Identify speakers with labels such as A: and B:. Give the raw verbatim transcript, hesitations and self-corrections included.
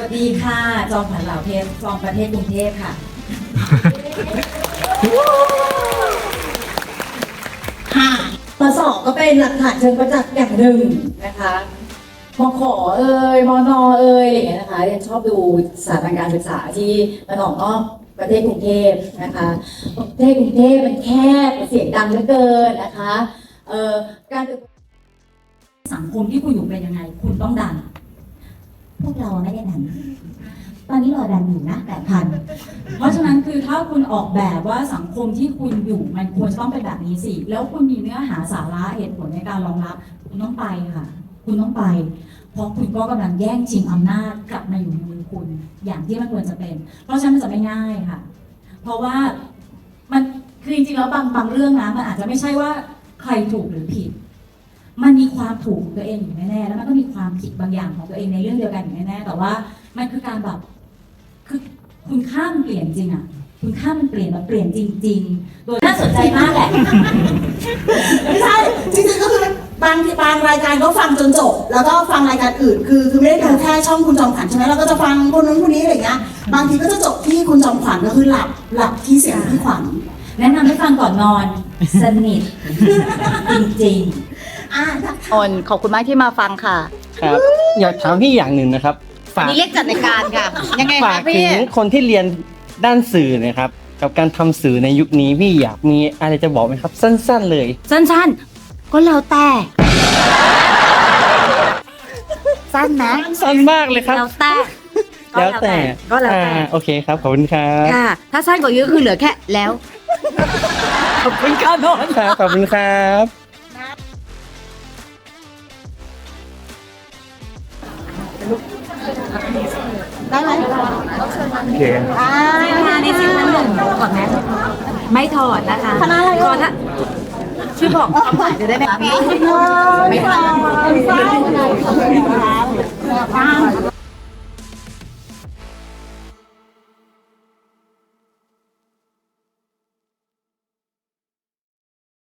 A: ดีค่ะจอมขวัญเหล่าเทพจอมประเทศกรุงเทพค่ะ
B: ค่ะปสองก็เป็นหลักฐานเชิงประจักษ์อย่างหนึ่งนะคะมขเอ่ยมนเอ่ยอะไรอย่างเงี้ยนะคะเรียนชอบดูสถาบันการศึกษาที่มันออกนอกประเทศกรุงเทพนะคะประเทศกรุงเทพมันแคบเสียงดังเหลือเกินนะคะเอ่อการ
A: สังคมที่คุณอยู่เป็นยังไงคุณต้องดัง
C: พวกเราไม่ได้ดันตอนนี้เราดันอยู่นะแปดพัน
A: เพราะฉะนั้นคือถ้าคุณออกแบบว่าสังคมที่คุณอยู่มันควรจะต้องเป็นแบบนี้สิแล้วคุณมีเนื้อหาสาระเหตุผลในการรองรับคุณต้องไปค่ะคุณต้องไปเพราะคุณก็กำลังแย่งชิงอำนาจกลับมาอยู่ในมือคุณอย่างที่มันควรจะเป็นเพราะฉะนั้นมันจะไม่ง่ายค่ะเพราะว่ามันคือจริงๆแล้วบางบางเรื่องนะมันอาจจะไม่ใช่ว่าใครถูกหรือผิดมันมีความถูกของตัวเองอยู่แน่ๆแล้วมันก็มีความผิดบางอย่างของตัวเองในเรื่องเดียวกันอยู่แน่ๆแต่ว่ามันคือการแบบคือคุณค่ามันเปลี่ยนจริงอ่ะคุณค่ามันเปลี่ยนมาเปลี่ยนจริงๆโดยน่าสนใจมากแหละ
B: ไม่ใช่จริงๆก็คือบางบางรายการก็ฟังจนจบแล้วก็ฟังรายการอื่นคือคือไม่ได้ดูแค่ช่องคุณจอมขวัญใช่ไหมเราก็จะฟังคนนู้นคนนี้อะไรอย่างเงี้ยบางทีก็จะจบที่คุณจอมขวัญก็คือหลับหลับที่เสียงพี่ขวัญ
A: แนะนำให้ฟังก่อนนอนสนิทจริง
B: ๆอ่า
D: อนขอบคุณมากที่มาฟังค่ะ
E: ครับอยากถามพี่อย่างหนึ่งนะครับฝาก
D: นี่เรียกจัดรายการค่ะยังไง
E: ฝา
D: คะ
E: ก
D: พี่
E: ถึงคนที่เรียนด้านสื่อนะครับ กับการทำสื่อในยุคนี้พี่อยากมีอะไรจะบอกไหมครับ สั้นๆเลย
D: สั้นๆก็แล้วแต่สั้นนะ
E: สั้นมากเลยครับ
D: แล้วแต่
E: แล้วแต่
D: ก็แล้วแต่
E: อ่าโอเคครับขอบคุณครับ
D: ค่ะ ถ้าสั้นกว่านี้ก็คือเหลือแค่แล้วขอบคุณค่ะนนท์
E: ครับขอบคุณครับ
D: ได้ไหม
E: โอเค
D: อ่าในสิบนั้นหนึ่งถอดแมสไม่ถอดนะคะคณะอะไรก่อนนะช่วยบอกคำถามจะได้ไหมคะพี่ไม่ถอด